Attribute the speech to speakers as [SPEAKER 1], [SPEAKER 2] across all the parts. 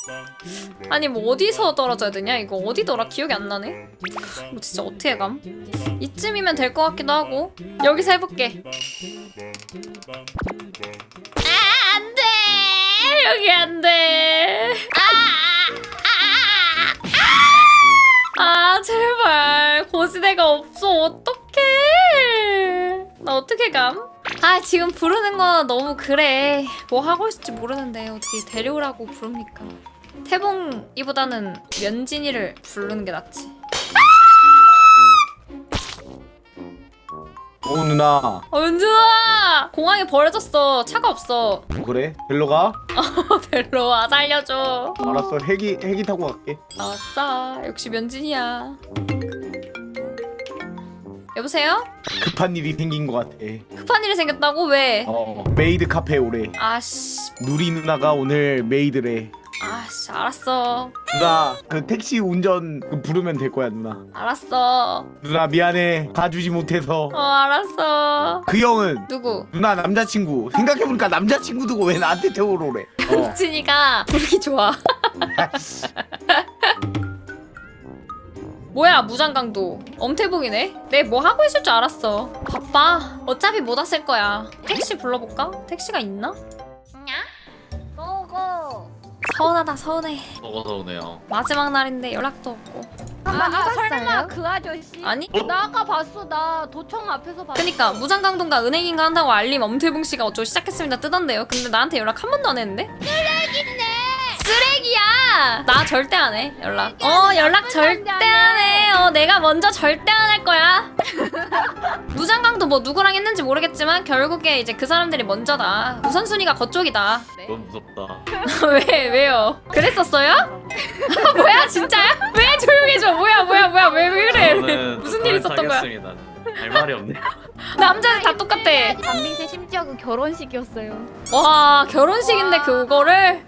[SPEAKER 1] 아니 뭐 어디서 떨어져야 되냐? 이거 어디더라? 기억이 안 나네. 뭐 진짜 어떻게 감? 이쯤이면 될 것 같기도 하고. 여기서 해볼게. 아, 안 돼! 여기 안 돼! 아, 제발. 고지대가 없어. 어떡해. 나 어떻게 감? 아, 지금 부르는 거 너무 그래. 뭐 하고 있을지 모르는데 어떻게 데려오라고 부릅니까? 태봉이보다는 면진이를 부르는 게 낫지.
[SPEAKER 2] 오 누나.
[SPEAKER 1] 면진아! 공항에 버려졌어. 차가 없어.
[SPEAKER 2] 그래? 벨로 가?
[SPEAKER 1] 별로 와 살려줘.
[SPEAKER 2] 알았어. 헬기 타고 갈게.
[SPEAKER 1] 아싸. 역시 면진이야. 여보세요?
[SPEAKER 2] 급한 일이 생긴 것 같아.
[SPEAKER 1] 급한 일이 생겼다고? 왜?
[SPEAKER 2] 메이드 카페 오래.
[SPEAKER 1] 아씨.
[SPEAKER 2] 누리 누나가 오늘 메이드래.
[SPEAKER 1] 아씨, 알았어.
[SPEAKER 2] 누나 그 택시 운전 부르면 될 거야 누나.
[SPEAKER 1] 알았어.
[SPEAKER 2] 누나 미안해 가주지 못해서.
[SPEAKER 1] 알았어.
[SPEAKER 2] 그 형은
[SPEAKER 1] 누구?
[SPEAKER 2] 누나 남자친구. 생각해보니까 남자친구 두고 왜 나한테 태우러 오래.
[SPEAKER 1] 진이가 부르기 좋아. 뭐야 무장강도. 엄태봉이네. 내 뭐 하고 있을 줄 알았어. 바빠. 어차피 못 왔을 거야. 택시 불러볼까? 택시가 있나?
[SPEAKER 3] 고고.
[SPEAKER 1] 서운하다 서운해.
[SPEAKER 4] 먹어서 오네요.
[SPEAKER 1] 마지막 날인데 연락도 없고.
[SPEAKER 3] 설마 그 아저씨?
[SPEAKER 1] 아니?
[SPEAKER 3] 나 아까 봤어. 나 도청 앞에서 봤어.
[SPEAKER 1] 그니까 무장강도가 은행인가 한다고 알림 엄태봉씨가 어쩌고 시작했습니다 뜨던데요. 근데 나한테 연락 한 번도 안 했는데? 쓰레기야! 나 절대 안 해 연락. 연락 절대 안 해. 내가 먼저 절대 안 할 거야. 무장강도 뭐 누구랑 했는지 모르겠지만 결국에 이제 그 사람들이 먼저다. 우선순위가 그쪽이다.
[SPEAKER 4] 너무 무섭다.
[SPEAKER 1] 왜요? 그랬었어요? 뭐야 진짜야? 왜 조용해져? 뭐야 왜 그래?
[SPEAKER 4] 저는
[SPEAKER 1] 무슨 일 있었던 거야?
[SPEAKER 4] 사귀었습니다. 할 말이 없네.
[SPEAKER 1] 남자들 다 똑같아.
[SPEAKER 3] 담빙세 심지어 그 결혼식이었어요.
[SPEAKER 1] 와 결혼식인데 그거를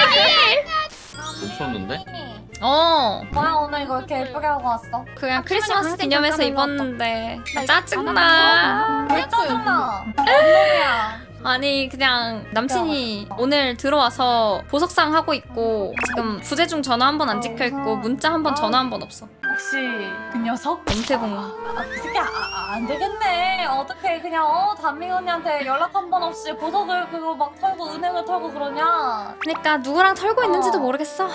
[SPEAKER 4] 훔쳤는데?
[SPEAKER 1] 뭐야
[SPEAKER 5] 오늘 이거 이렇게 예쁘게 하고 왔어?
[SPEAKER 1] 그냥 크리스마스
[SPEAKER 3] 항상
[SPEAKER 1] 기념해서
[SPEAKER 3] 잠깐
[SPEAKER 1] 입었는데 짜증나.
[SPEAKER 5] 왜 짜증나? 언니야.
[SPEAKER 1] 아니 그냥 남친이 오늘 들어와서 보석상 하고 있고 지금 부재중 전화 한 번 안 찍혀 있고 문자 한 번 전화 한 번 없어.
[SPEAKER 5] 혹시 그 녀석?
[SPEAKER 1] 엄태봉.
[SPEAKER 5] 그 새끼 안 되겠네. 어떻게 그냥 담민 언니한테 연락 한 번 없이 보석을 그거 막 털고 은행을 털고 그러냐?
[SPEAKER 1] 그러니까 누구랑 털고 있는지도 모르겠어.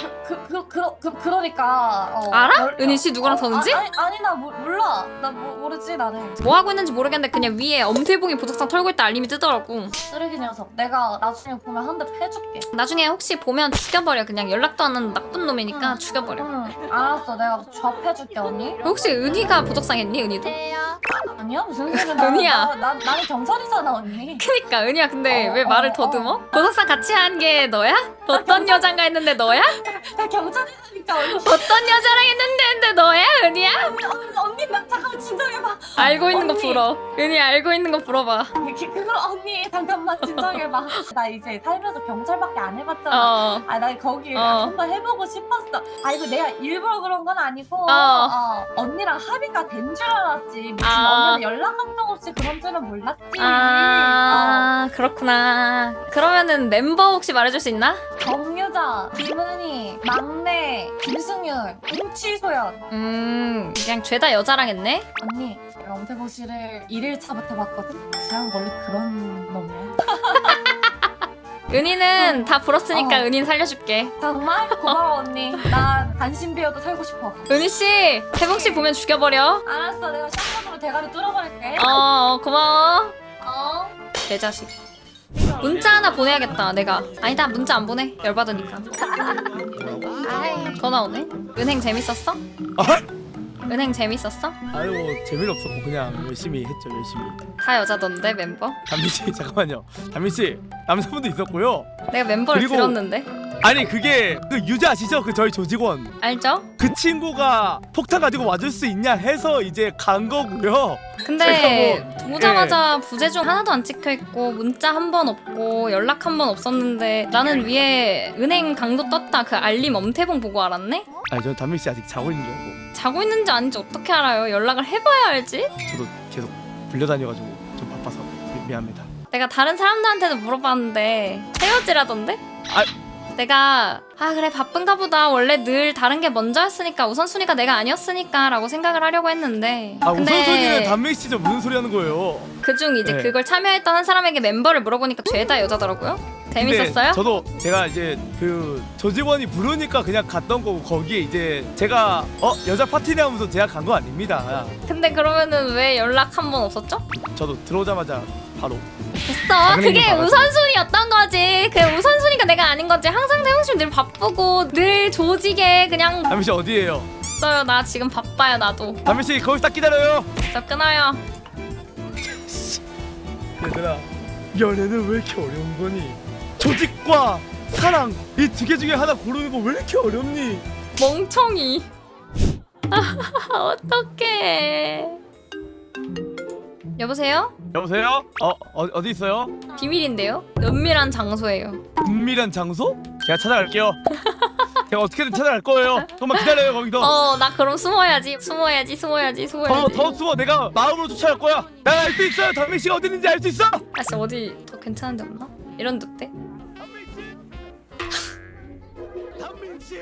[SPEAKER 5] 그러니까
[SPEAKER 1] 알아? 은희 씨 누구랑 터는지?
[SPEAKER 5] 아니 나 몰라. 나 모르지 나는.
[SPEAKER 1] 뭐 하고 있는지 모르겠는데 그냥 위에 엄태봉이 보석상 털고 있다 알림이 뜨더라고.
[SPEAKER 5] 쓰레기 녀석. 내가 나중에 보면 한 대 패줄게.
[SPEAKER 1] 나중에 혹시 보면 죽여버려. 그냥 연락도 안 하는 나쁜 놈이니까 죽여버려.
[SPEAKER 5] 응. 알았어. 내가 좌패줄게 언니.
[SPEAKER 1] 혹시 은희가 보석상 했니? 은희도?
[SPEAKER 5] 아니야 무슨 소리야?
[SPEAKER 1] 은희야.
[SPEAKER 5] 나는 경찰이잖아 언니.
[SPEAKER 1] 그니까 은희야 근데 왜 말을 더듬어? 보석상 같이 한 게 너야? 어떤 여잔가 했는데 너야?
[SPEAKER 5] 나 경찰이니까 언니.
[SPEAKER 1] 어떤 여자랑 했는데 너야? 은희야?
[SPEAKER 5] 언니 나 잠깐만 진정해봐.
[SPEAKER 1] 알고 있는 거
[SPEAKER 5] 언니.
[SPEAKER 1] 불어. 은희 알고 있는 거 불어봐.
[SPEAKER 5] 그거 언니 잠깐만 진정해봐. 나 이제 살면서 경찰밖에 안 해봤잖아. 나 거기 한번 해보고 싶었어. 이거 내가 일부러 그런 건 아니고 언니랑 합의가 된 줄 알았지. 무슨 언니한테 연락 한 통 없이 그런 줄은 몰랐지.
[SPEAKER 1] 그렇구나. 그러면은 멤버 혹시 말해줄 수 있나?
[SPEAKER 5] 정유자, 김은희, 막내, 김승윤, 임치소연.
[SPEAKER 1] 그냥 죄다 여자랑 했네?
[SPEAKER 5] 언니 엄태보 씨를 1일차부터 봤거든? 그 사람 원래 그런 놈이야.
[SPEAKER 1] 은희는 다 불었으니까 은희는 살려줄게.
[SPEAKER 5] 정말? 고마워 언니. 나 단신 비어도 살고 싶어.
[SPEAKER 1] 은희씨 태봉씨 보면 죽여버려.
[SPEAKER 5] 알았어 내가 샷건으로 대가리 뚫어버릴게.
[SPEAKER 1] 고마워.
[SPEAKER 5] 어?
[SPEAKER 1] 개자식. 문자 하나 보내야겠다 내가. 아니다 문자 안 보내. 열받으니까. 더 나오네. 은행 재밌었어? 은행 재밌었어?
[SPEAKER 6] 아유 재미는 없었고 그냥 열심히 했죠 열심히.
[SPEAKER 1] 다 여자던데 멤버?
[SPEAKER 6] 담민씨 잠깐만요. 담민씨 남자분도 있었고요.
[SPEAKER 1] 내가 멤버를
[SPEAKER 6] 그리고-
[SPEAKER 1] 들었는데.
[SPEAKER 6] 아니 그게 그 유저 아시죠? 그 저희 조직원
[SPEAKER 1] 알죠?
[SPEAKER 6] 그 친구가 폭탄 가지고 와줄 수 있냐 해서 이제 간 거고요.
[SPEAKER 1] 근데
[SPEAKER 6] 제가 뭐-
[SPEAKER 1] 오자마자 부재중 하나도 안 찍혀있고 문자 한 번 없고 연락 한 번 없었는데 나는 위에 은행 강도 떴다 그 알림 엄태봉 보고 알았네?
[SPEAKER 6] 아니 저는 담민씨 아직 자고 있는 줄 알고
[SPEAKER 1] 자고 있는지 아닌지 어떻게 알아요? 연락을 해봐야 알지?
[SPEAKER 6] 저도 계속 불려다녀가지고 좀 바빠서 미안합니다.
[SPEAKER 1] 내가 다른 사람들한테도 물어봤는데 헤어지라던데?
[SPEAKER 6] 아-
[SPEAKER 1] 내가 아 그래 바쁜가 보다. 원래 늘 다른 게 먼저였으니까 우선순위가 내가 아니었으니까 라고 생각을 하려고 했는데
[SPEAKER 6] 아 우선순위는 단명씨죠. 무슨 소리 하는 거예요?
[SPEAKER 1] 그중 이제
[SPEAKER 6] 네.
[SPEAKER 1] 그걸 참여했던 한 사람에게 멤버를 물어보니까 죄다 여자더라고요. 재밌었어요?
[SPEAKER 6] 근데 저도 제가 이제 그 조직원이 부르니까 그냥 갔던 거고 거기에 이제 제가 여자 파티네 하면서 제가 간 거 아닙니다.
[SPEAKER 1] 근데 그러면은 왜 연락 한 번 없었죠?
[SPEAKER 6] 저도 들어오자마자 바로
[SPEAKER 1] 됐어.
[SPEAKER 6] 당연히
[SPEAKER 1] 그게
[SPEAKER 6] 받았지.
[SPEAKER 1] 우선순위였던 거지. 그 우선순위가 내가 아닌 거지. 항상 태용씨 늘 바쁘고 늘 조직에 그냥
[SPEAKER 6] 담임씨 어디에요?
[SPEAKER 1] 있어요. 나 지금 바빠요. 나도.
[SPEAKER 6] 담임씨 거기서 딱 기다려요.
[SPEAKER 1] 됐어 끊어요.
[SPEAKER 6] 얘들아 연애는 왜 이렇게 어려운 거니? 조직과 사랑 이 두 개 중에 하나 고르는 거 왜 이렇게 어렵니?
[SPEAKER 1] 멍청이. 어떡해. 여보세요?
[SPEAKER 6] 여보세요? 어디 있어요?
[SPEAKER 1] 비밀인데요? 은밀한 장소예요.
[SPEAKER 6] 은밀한 장소? 제가 찾아갈게요. 제가 어떻게든 찾아갈 거예요. 조금만 기다려요 거기서.
[SPEAKER 1] 나 그럼 숨어야지. 숨어야지.
[SPEAKER 6] 더 숨어. 내가 마음으로 쫓아갈 거야. 난 알 수 있어요. 담임 씨가 어디 있는지 알 수 있어.
[SPEAKER 1] 아씨 어디 더 괜찮은 데 없나? 이런 늑대?
[SPEAKER 6] 담임 씨.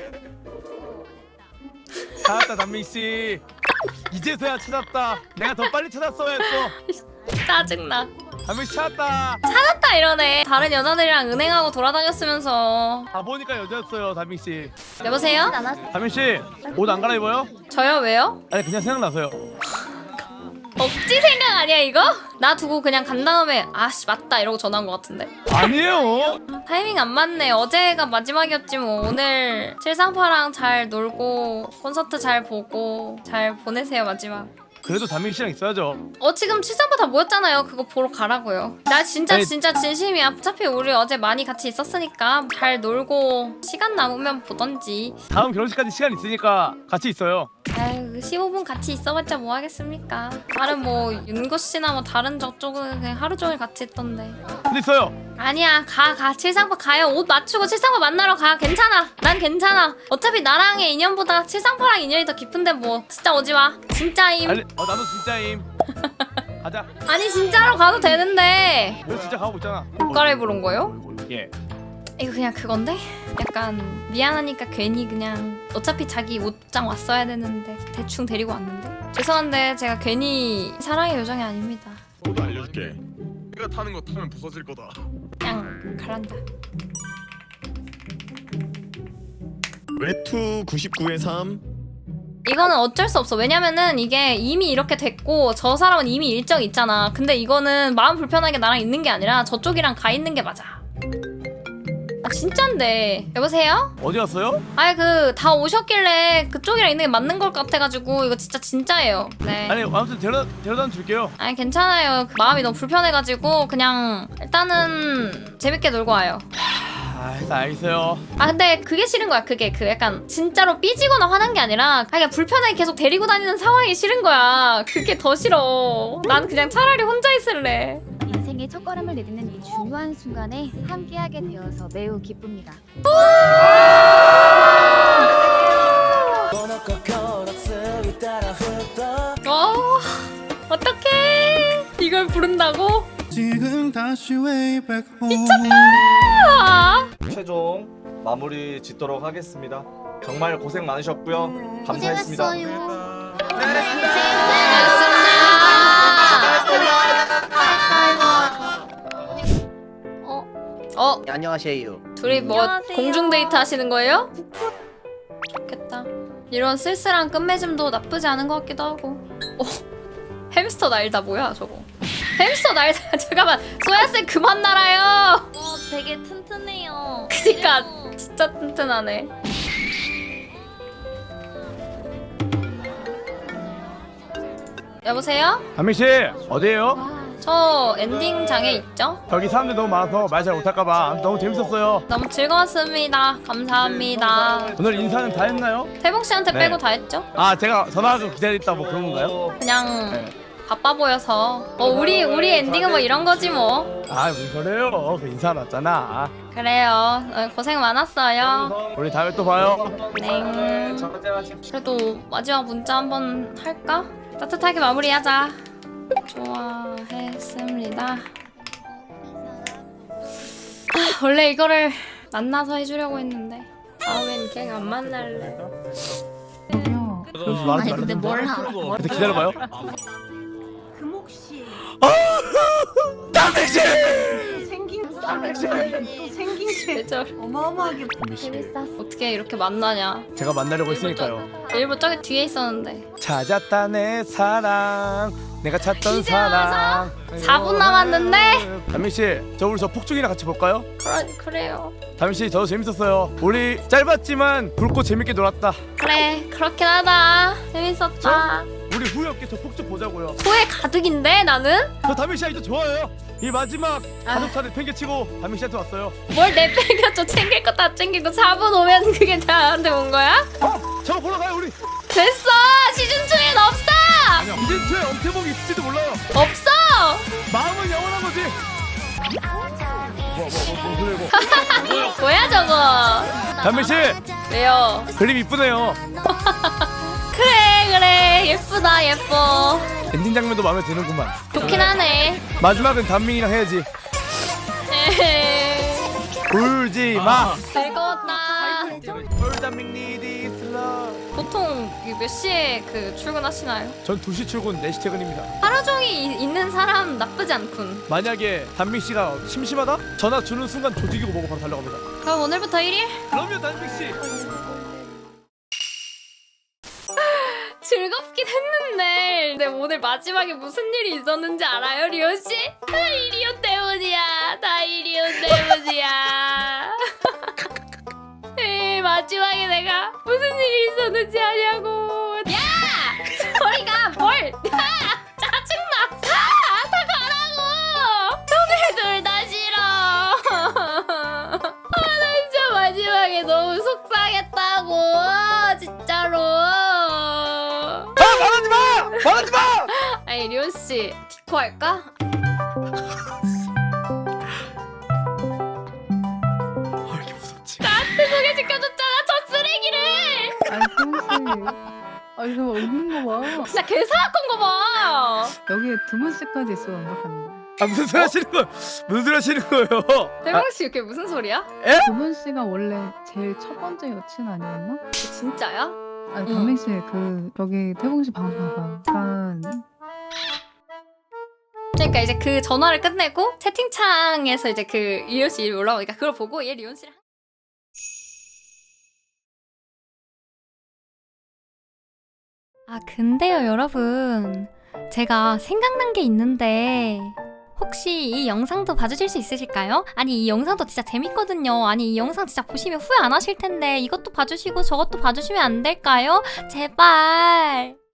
[SPEAKER 6] 찾았다 담임 씨. 이제서야 찾았다. 내가 더 빨리 찾았어야 했어.
[SPEAKER 1] 짜증나.
[SPEAKER 6] 담임 씨 찾았다.
[SPEAKER 1] 찾았다 이러네. 다른 여자들이랑 은행하고 돌아다녔으면서.
[SPEAKER 6] 아 보니까 여자였어요 담임 씨.
[SPEAKER 1] 여보세요?
[SPEAKER 6] 담임 씨 옷 안 갈아입어요?
[SPEAKER 1] 저요 왜요?
[SPEAKER 6] 아니 그냥 생각나서요.
[SPEAKER 1] 억지 생각 아니야 이거? 나 두고 그냥 간 다음에 아씨 맞다 이러고 전화한 것 같은데.
[SPEAKER 6] 아니에요.
[SPEAKER 1] 타이밍 안 맞네. 어제가 마지막이었지 뭐. 오늘 칠상파랑 잘 놀고 콘서트 잘 보고 잘 보내세요 마지막.
[SPEAKER 6] 그래도 담임 씨랑 있어야죠.
[SPEAKER 1] 지금 칠상파 다 모였잖아요. 그거 보러 가라고요. 나 진짜
[SPEAKER 6] 아니,
[SPEAKER 1] 진짜 진심이야. 어차피 우리 어제 많이 같이 있었으니까 잘 놀고 시간 남으면 보던지.
[SPEAKER 6] 다음 결혼식까지 시간 있으니까 같이 있어요.
[SPEAKER 1] 아유 15분 같이 있어봤자 뭐 하겠습니까. 다른 뭐 윤고 씨나 뭐 다른 저쪽은 그냥 하루 종일 같이 있던데.
[SPEAKER 6] 근데 있어요.
[SPEAKER 1] 아니야 가 칠상파 가요. 옷 맞추고 칠상파 만나러 가. 괜찮아. 난 괜찮아. 어차피 나랑의 인연보다 칠상파랑 인연이 더 깊은데 뭐. 진짜 오지마. 진짜임.
[SPEAKER 6] 아니, 나도 진짜임. 가자.
[SPEAKER 1] 아니 진짜로 가도 되는데.
[SPEAKER 6] 너 진짜 가고 있잖아.
[SPEAKER 1] 옷 갈아입으러 온 거요?
[SPEAKER 6] 예.
[SPEAKER 1] 이거 그냥 그건데? 약간 미안하니까 괜히 그냥 어차피 자기 옷장 왔어야 되는데 대충 데리고 왔는데 죄송한데 제가 괜히 사랑의 요정이 아닙니다.
[SPEAKER 7] 너도 알려줄게. 내가 타는 거 타면 부서질 거다.
[SPEAKER 1] 그냥 가란다.
[SPEAKER 7] 외투 99에 3.
[SPEAKER 1] 이거는 어쩔 수 없어. 왜냐면은 이게 이미 이렇게 됐고 저 사람은 이미 일정이 있잖아. 근데 이거는 마음 불편하게 나랑 있는 게 아니라 저쪽이랑 가 있는 게 맞아. 아 진짠데. 여보세요?
[SPEAKER 6] 어디 갔어요?
[SPEAKER 1] 아니 그 다 오셨길래 그쪽이랑 있는 게 맞는 걸 같아가지고 이거 진짜 진짜예요. 네.
[SPEAKER 6] 아니 아무튼 데려다 줄게요.
[SPEAKER 1] 아니 괜찮아요. 그 마음이 너무 불편해가지고 그냥 일단은 재밌게 놀고 와요.
[SPEAKER 6] 일단 알겠어요.
[SPEAKER 1] 아 근데 그게 싫은 거야. 그게 그 약간 진짜로 삐지거나 화난 게 아니라 그냥 불편하게 계속 데리고 다니는 상황이 싫은 거야. 그게 더 싫어. 난 그냥 차라리 혼자 있을래.
[SPEAKER 3] 인생의 첫걸음을 내딛는 이 중요한 순간에 함께하게 되어서 매우 기쁩니다.
[SPEAKER 1] 어떡해. 이걸 부른다고?
[SPEAKER 8] 지금 다시 way back home.
[SPEAKER 1] 아,
[SPEAKER 9] 최종 마무리 짓도록 하겠습니다. 정말 고생 많으셨고요. 감사했습니다.
[SPEAKER 2] 네, 안녕하세요.
[SPEAKER 1] 둘이 뭐
[SPEAKER 3] 안녕하세요.
[SPEAKER 1] 공중 데이트 하시는 거예요? 좋겠다. 이런 쓸쓸한 끝맺음도 나쁘지 않은 것 같기도 하고. 햄스터 날다 뭐야 저거? 햄스터 날다. 잠깐만 소야쌤 그만 날아요.
[SPEAKER 3] 되게 튼튼해요.
[SPEAKER 1] 그니까 진짜 튼튼하네. 여보세요?
[SPEAKER 6] 담임 씨 어디에요?
[SPEAKER 1] 저 엔딩장에 있죠?
[SPEAKER 6] 여기 사람들 너무 많아서 말 잘 못할까봐 너무 재밌었어요.
[SPEAKER 1] 너무 즐거웠습니다. 감사합니다.
[SPEAKER 6] 오늘 인사는 다 했나요?
[SPEAKER 1] 태봉 씨한테
[SPEAKER 6] 네.
[SPEAKER 1] 빼고 다 했죠?
[SPEAKER 6] 아 제가 전화하고 기다렸다 뭐 그런 건가요?
[SPEAKER 1] 그냥
[SPEAKER 6] 네.
[SPEAKER 1] 바빠 보여서. 우리 엔딩은 뭐 이런 거지 뭐.
[SPEAKER 6] 아 무슨 소리예요? 그 인사 났잖아.
[SPEAKER 1] 그래요. 고생 많았어요.
[SPEAKER 6] 우리 다음에 또 봐요.
[SPEAKER 1] 네. 그래도 마지막 문자 한번 할까? 따뜻하게 마무리하자. 좋아했습니다. 원래 이거를 만나서 해주려고 했는데 다음엔 갱 안 만날래.
[SPEAKER 6] 그러지 말하지 말라.
[SPEAKER 3] 몰라.
[SPEAKER 6] 일단 기다려봐요.
[SPEAKER 5] 금옥씨
[SPEAKER 6] 담백씨!
[SPEAKER 5] 생긴 게
[SPEAKER 1] 대절.
[SPEAKER 5] 어마어마하게
[SPEAKER 3] 재밌었어.
[SPEAKER 1] 어떻게 이렇게 만나냐?
[SPEAKER 6] 제가 만나려고 했으니까요.
[SPEAKER 1] 일부 저기 뒤에 있었는데.
[SPEAKER 6] 찾았다 내 사랑, 내가 찾던
[SPEAKER 1] 이제
[SPEAKER 6] 사랑.
[SPEAKER 1] 4분 남았는데?
[SPEAKER 6] 담백씨, 저 우리 저 폭죽이나 같이 볼까요?
[SPEAKER 1] 그래요.
[SPEAKER 6] 담백씨, 저도 재밌었어요. 우리 짧았지만 붉고 재밌게 놀았다.
[SPEAKER 1] 그래 그렇긴 하다. 재밌었다.
[SPEAKER 6] 우리 후회 없게 저 폭죽 보자고요.
[SPEAKER 1] 후회 가득인데 나는?
[SPEAKER 6] 저 담백씨 아직도 좋아요. 이 마지막 가족사를 팽개치고 담백씨한테 왔어요.
[SPEAKER 1] 뭘 내팽겨쳐. 챙길 거 다 챙기고 4분 오면 그게 나한테 온 거야?
[SPEAKER 6] 저거 보러 가요 우리.
[SPEAKER 1] 됐어. 시즌2엔 없어.
[SPEAKER 6] 이제 뒤에 엄태봉이 있을지도 몰라요.
[SPEAKER 1] 없어.
[SPEAKER 6] 마음은 영원한 거지.
[SPEAKER 1] 뭐야 저거.
[SPEAKER 6] 담백씨,
[SPEAKER 1] 왜요?
[SPEAKER 6] 그림 이쁘네요.
[SPEAKER 1] 그래 예쁘다 예뻐.
[SPEAKER 6] 엔딩 장면도 마음에 드는구만.
[SPEAKER 1] 좋긴 하네.
[SPEAKER 6] 마지막은 담민이랑 해야지.
[SPEAKER 1] 에헤이.
[SPEAKER 6] 울지 마.
[SPEAKER 1] 즐거웠다.
[SPEAKER 6] 울담민 need is love.
[SPEAKER 1] 보통 몇 시에 그 출근하시나요?
[SPEAKER 6] 전 2시 출근 4시 퇴근입니다.
[SPEAKER 1] 하루 종일 있는 사람 나쁘지 않군.
[SPEAKER 6] 만약에 담민 씨가 심심하다? 전화 주는 순간 조직이고 뭐고 바로 달려갑니다.
[SPEAKER 1] 그럼 오늘부터 1일?
[SPEAKER 6] 그럼요 담민 씨.
[SPEAKER 1] 즐겁긴 했는데 근데 오늘 마지막에 무슨 일이 있었는지 알아요 리오씨? 다 이리온 때문이야. 다 이리온 때문이야. 에이, 마지막에 내가 무슨 일이 있었는지 아냐고. 야! 소리가 뭘! 야! 짜증나! 다 가라고! 너네 둘 다 싫어. 나 진짜 마지막에 너무 속상했다고. 진짜로.
[SPEAKER 6] 말하지 마!
[SPEAKER 1] 아니 리온 씨 디코 할까?
[SPEAKER 6] 이렇게 무섭지?
[SPEAKER 1] 나한테 소개시켜줬잖아 저 쓰레기를.
[SPEAKER 10] 아니 평소에 아니 저 없는 거 봐.
[SPEAKER 1] 진짜 개사악한 거 봐.
[SPEAKER 10] 여기에 2문씨까지 있어 완벽합니다.
[SPEAKER 6] 무슨 소리 하시는 거예요? 무슨 소리 하시는 거예요?
[SPEAKER 1] 대광 씨 이게 무슨 소리야?
[SPEAKER 10] 2문씨가 원래 제일 첫 번째 여친 아니었나?
[SPEAKER 1] 진짜야?
[SPEAKER 10] 아니 담민 씨그 여기 태봉 씨 방송 봐봐. 약간
[SPEAKER 1] 그러니까 이제 그 전화를 끝내고 채팅창에서 이제 그 리온 씨 이름이 올라오니까 그걸 보고 얘 리온 씨랑 근데요 여러분 제가 생각난 게 있는데 혹시 이 영상도 봐주실 수 있으실까요? 아니 이 영상도 진짜 재밌거든요. 아니 이 영상 진짜 보시면 후회 안 하실 텐데 이것도 봐주시고 저것도 봐주시면 안 될까요? 제발.